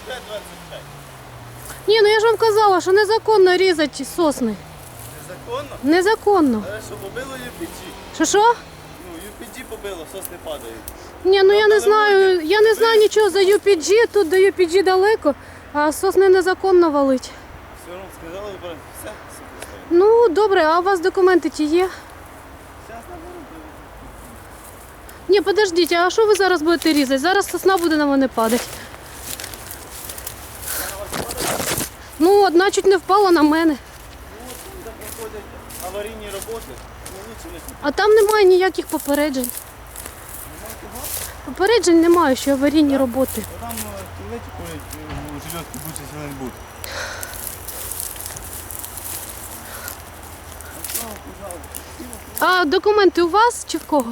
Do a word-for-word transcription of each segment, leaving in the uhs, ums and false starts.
двадцять п'ять. Ні, ну я ж вам казала, що незаконно різати сосни. Незаконно? Незаконно. Але що, побило ю пі джі? Що що? Ну, ю пі джі побило, сосни падають. Ні, ну я не Правда, знаю, люди- я не знаю нічого за ю пі джі, тут до ю пі джі далеко, а сосни незаконно валить. Все одно сказали, все, все поставили. Ну, добре, а у вас документи ті є? Зараз наберу. Ні, подождіть, а що ви зараз будете різати? Зараз сосна буде на мене падати. Ну, одна чуть не впала на мене. Ну, от там, де проходять аварійні роботи, ну, лучше не А там немає ніяких попереджень. Попереджень немає, що аварійні роботи. Там туалеті ходять, у жилетки більше сильно не буде. А документи у вас чи в кого?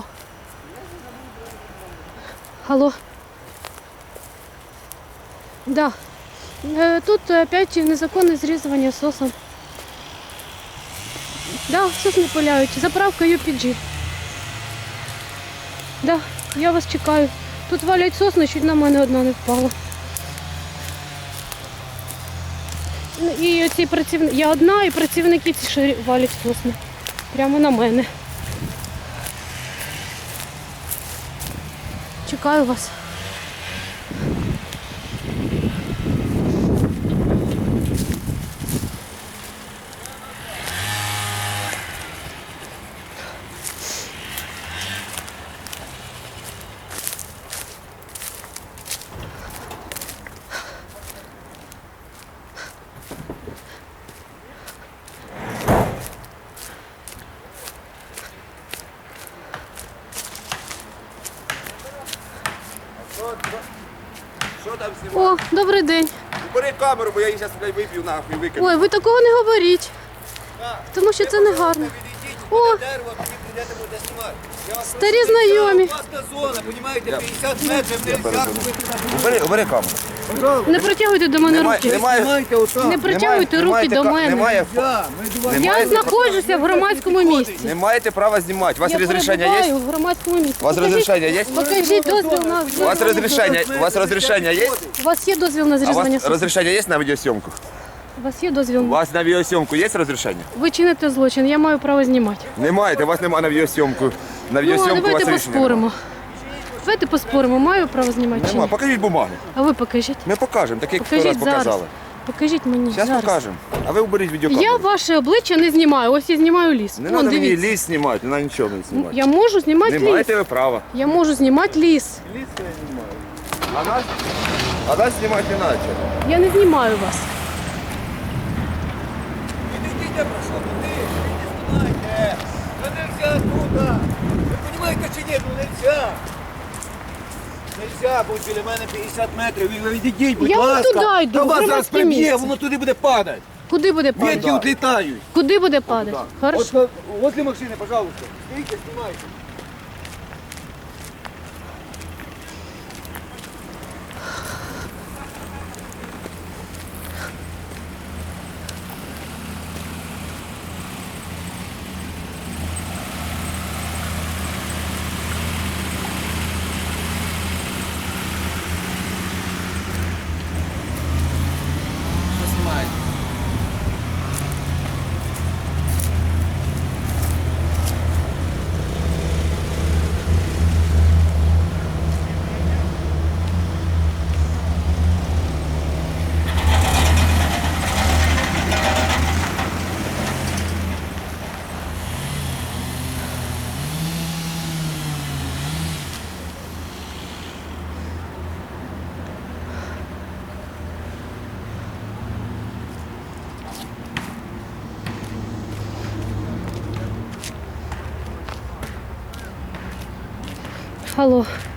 Алло. Да. Е, Тут опять незаконне зрізування сосен. Да, сосни пиляють. Заправка ю пі джі. Да, я вас чекаю. Тут валять сосни, чуть на мене одна не впала. Ну, і оці працівники, я одна, і працівники ці ще валять сосни. Прямо на мене. Чекаю вас. Що там знімає? О, добрий день. Бери камеру, бо я її зараз виб'ю нахуй, викину. Ой, ви такого не говоріть. Тому що це не гарно. О, О! Дерево, тоді прийдете, будете знімати. Я вас старі прошу, знайомі. Власна зона, понімаєте, п'ятдесят метрів нельзя. Убери, убери камеру. Не протягуйте до мене Немає, руки. немає, Знімайте отак. Не протягуйте руки до мене. Немає, Я, ми до вас. Я немає, знаходжуся в громадському місці. не маєте права знімати. У вас Я розрішення перебуваю є? в громадському місці. У вас Покажіть- розрішення є? Покажіть дозвіл на У вас розрішення, у вас розрішення є? У вас є дозвіл на А у зрізання вас сосен? розрішення є на відеосйомку? У вас є дозвіл? У вас на відеосйомку є розрішення? Ви чините злочин, я маю право знімати. Не маєте, у вас немає на відеосйомку. На Ну, а відеосйомку у вас давайте рішення поспоримо. Давайте поспоримо, маю право знімати чи Нема. ні? Покажіть бумаги. А ви покажіть. Ми покажемо, так як раз Покажіть зараз. показали. Покажіть мені Зараз зараз. покажемо. А ви уберіть відеокамеру. Я ваше обличчя не знімаю, ось я знімаю ліс. Не Вон, треба мені дивіться. ліс знімати, на нічого не знімати. Я можу знімати Не ліс. маєте ви права. Я можу знімати ліс. А нас, а нас знімати не треба. Я не знімаю вас. Підійдіть, я прошу, туди. Не знімайте. Це нельзя туди. Ви розумієте чи ні? Ну нельзя. Нельзя, бо біля мене п'ятдесят метрів. Ви відійдіть, будь Я вон ласка. туди йду, Та в вас зараз громадське приб'є, місце. воно туди буде падати. Куди буде Ветки падати? відлітають. Куди буде падати? Хорошо. От, возле машини, пожалуйста. Стійте, знімайте. Що знімаєте? Алло.